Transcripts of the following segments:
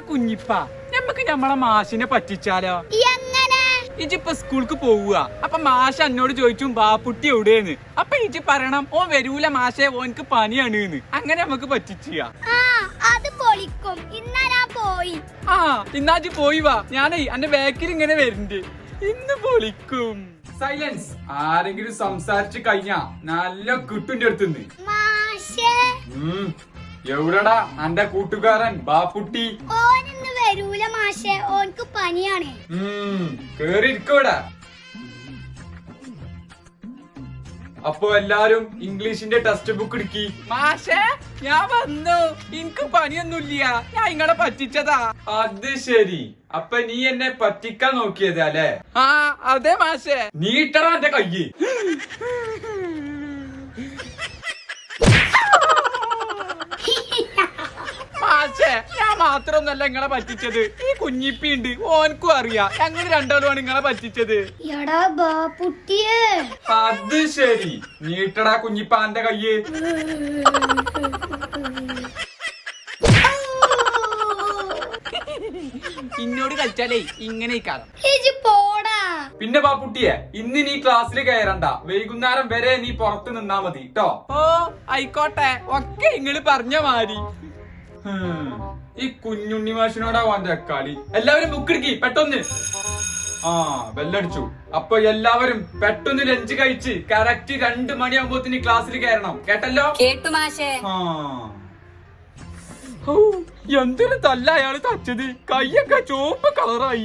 കുഞ്ഞിപ്പ നമ്മക്ക് നമ്മളെ മാഷിനെ പറ്റിച്ചാലോ? ഇജിപ്പോ സ്കൂൾക്ക് പോവുക, അപ്പൊ മാഷ് എന്നോട് ചോദിച്ചു ബാപ്പുട്ടി എവിടെയെന്ന്. അപ്പൊ ഇജി പറയണം ഓൻ വരൂല മാഷെ, ഓൻക്ക് പനിയാണ്. അങ്ങനെ നമുക്ക് പറ്റിച്ചാ. ഇന്നാജ് പോയി വാ, ഞാനേ എന്റെ ബാക്കിൽ ഇങ്ങനെ വരുന്നുണ്ട്. ഇന്ന് പൊളിക്കും. സൈലൻസ്. ആരെങ്കിലും സംസാരിച്ച് കഴിഞ്ഞാ നല്ല കിട്ടുന്റെ അടുത്തുനിന്ന്. എവിടെടാ എന്റെ കൂട്ടുകാരൻ ബാപ്പുട്ടി? വരൂല മാഷേ, ഓൻക്ക് പനിയാണ്. കേറിയിരിക്കോടാ. അപ്പൊ എല്ലാരും ഇംഗ്ലീഷിന്റെ ടെക്സ്റ്റ് ബുക്ക് എടുക്കി. മാഷേ ഞാൻ വന്നു, എനിക്ക് പനിയൊന്നുമില്ല, ഞാൻ ഇങ്ങളെ പറ്റിച്ചതാ. അത് ശരി, അപ്പൊ നീ എന്നെ പറ്റിക്കാൻ നോക്കിയതാ അല്ലേ? ആ അതെ മാഷേ. നീട്ടടാ എന്റെ കയ്യ്. മാഷേ ഞാൻ മാത്രമൊന്നല്ല നിങ്ങളെ പറ്റിച്ചത്, ഈ കുഞ്ഞിപ്പിണ്ട്, ഓനക്കും അറിയാ ഞങ്ങൾ രണ്ടാളുമാണ് നിങ്ങളെ പറ്റിച്ചത്. അത് ശരി, നീട്ടടാ കുഞ്ഞിപ്പാന്റെ കയ്യ്. ഇന്നോട് കളിച്ചാലേ ഇങ്ങനെ പിന്നെ ബാപ്പുട്ടിയെ ഇന്ന് നീ ക്ലാസ്സിൽ കയറണ്ട, വൈകുന്നേരം വരെ നീ പുറത്ത് നിന്നാ മതി ട്ടോ. ഓ ആയിക്കോട്ടെ, ഒക്കെ ഇങ്ങള് പറഞ്ഞ മാതിരി. ഈ കുഞ്ഞുണ്ണി മാഷിനോടാ വാന്റെ കളി. എല്ലാവരും ബുക്ക് എടുക്കി പെട്ടെന്ന്. ആ ബെല്ലടിച്ചു. അപ്പൊ എല്ലാവരും പെട്ടെന്ന് ലഞ്ച് കഴിച്ച് കറക്റ്റ് 2 മണിയാകുമ്പോത്തിന് ക്ലാസ്സിൽ കയറണം, കേട്ടല്ലോ? കേട്ടു മാഷേ. എന്തൊരു തല്ല അയാള് തച്ചത്, കയ്യൊക്കെ ചുവപ്പ് കളറായി.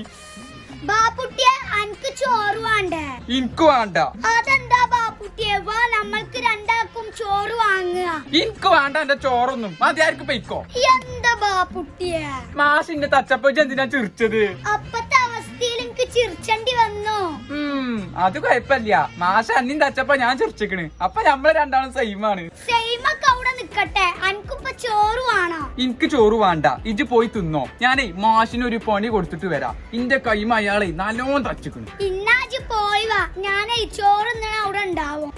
ചോറ് വേണ്ടേ? എനിക്ക് വേണ്ട. അതെന്താ ബാപ്പുട്ടിയെ, വാ നമ്മൾക്ക് രണ്ടാക്കും ചോറ് വാങ്ങുക. എനിക്ക് വേണ്ട എന്റെ ചോറൊന്നും, മതിയാർക്ക് പൊയ്ക്കോ. എന്താ ബാപ്പുട്ടിയെ മാഷിന്റെ തച്ചപ്പ എന്തിനാ ചിരിച്ചത്? അപ്പത്തെ അവസ്ഥയിൽ എനിക്ക് ചിരിച്ചണ്ടി വന്നു. അത് കുഴപ്പമില്ല, മാഷ അന്നും തച്ചപ്പ ഞാൻ ചിരിച്ചിക്കണ്, അപ്പൊ നമ്മള് രണ്ടാളും സെയിമാണ്. സെയിമൊക്കെ അവിടെ നിക്കട്ടെ, അനക്കിപ്പോ ചോറ് വേണോ? എനിക്ക് ചോറ് വേണ്ട, ഇജ് പോയി തിന്നോ. ഞാനേ മാഷിന് ഒരു പണി കൊടുത്തിട്ട് വരാം. ഇന്റെ കൈമ അയാളെ നല്ലോണം തച്ചിക്കണ്. ഇന്നാജ് പോയി വാ, ഞാനേ ചോറ് അവിടെ ഉണ്ടാവും.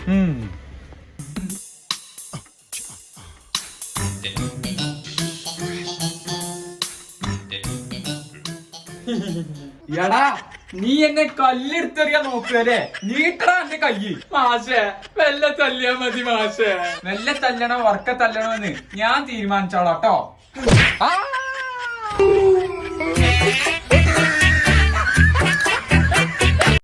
എടാ നീ എന്നെ കല്ലെടുത്തെറിയാൻ നോക്കുകയല്ലേ? നീട്ടടാ എന്റെ കയ്യ്. മാഷേ വെല്ല തല്ലിയാ മതി മാഷേ. വെല്ല തല്ലണോ ഉറക്ക തല്ലണോ എന്ന് ഞാൻ തീരുമാനിച്ചോളാട്ടോ.